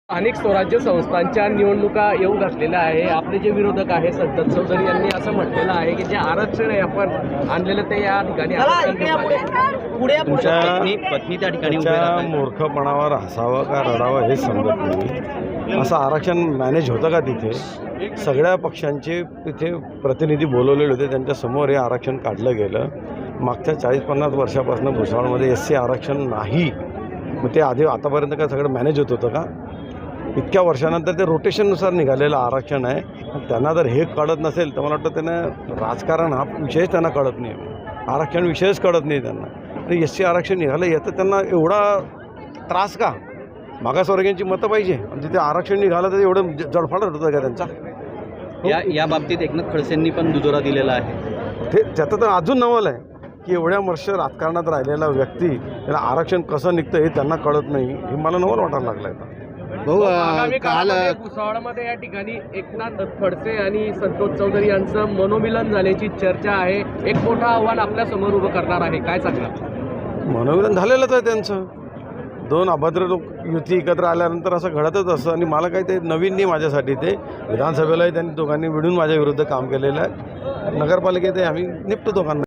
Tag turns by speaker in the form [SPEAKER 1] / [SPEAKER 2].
[SPEAKER 1] अनेक स्वराज्य संस्थांच्या निवडणुका येऊ घातलेल्या आहे. आपले जे विरोधक आहे संतत चौधरी यांनी असं म्हटलेलं आहे की जे आरक्षण आहे आपण आणलेलं ते या ठिकाणी
[SPEAKER 2] तुमच्या पत्नी त्या ठिकाणी मूर्खपणावर हसावं का रडावं हे समजत नाही. असं आरक्षण मॅनेज होतं का तिथे? सगळ्या पक्षांचे तिथे प्रतिनिधी बोलवलेले होते, त्यांच्यासमोर हे आरक्षण काढलं गेलं. मागच्या 40-50 वर्षापासून भुसावळमध्ये SC आरक्षण नाही. मग ते आतापर्यंत काय सगळं मॅनेज होत होतं का? इतक्या वर्षानंतर ते रोटेशननुसार निघालेलं आरक्षण आहे. त्यांना जर हे कळत नसेल तर मला वाटतं त्यांना राजकारण हा विषयच त्यांना कळत नाही, आरक्षण विषयच कळत नाही त्यांना. आणि SC आरक्षण निघालं याचं त्यांना एवढा त्रास का? मागासवर्गीयांची मतं पाहिजे आणि तिथे आरक्षण निघालं तर एवढं जडफाड होतं का त्यांचा?
[SPEAKER 3] या बाबतीत एकनाथ खडसेंनी पण दुजोरा दिलेला आहे.
[SPEAKER 2] ते त्याचं तर अजून नवल आहे की एवढ्या वर्ष राजकारणात राहिलेला व्यक्ती त्याला आरक्षण कसं निघतं हे त्यांना कळत नाही. हे मला नवल वाटायला लागलं आहे.
[SPEAKER 1] काल भुसावळमध्ये या ठिकाणी एकनाथ खडसे आणि संतोष चौधरी यांचं मनोमिलन झाल्याची चर्चा आहे. एक मोठं आव्हान आपल्या समोर उभं करणार आहे, काय सांगणार?
[SPEAKER 2] मनोमिलन झालेलंच आहे त्यांचं. दोन अभद्र लोक युती एकत्र आल्यानंतर असं घडतच असतं. आणि मला काही ते नवीन नाही माझ्यासाठी. ते विधानसभेलाही त्यांनी दोघांनी मिळून माझ्या विरुद्ध काम केलेलं आहे. नगरपालिकेतही आम्ही निपटतो दोघांना.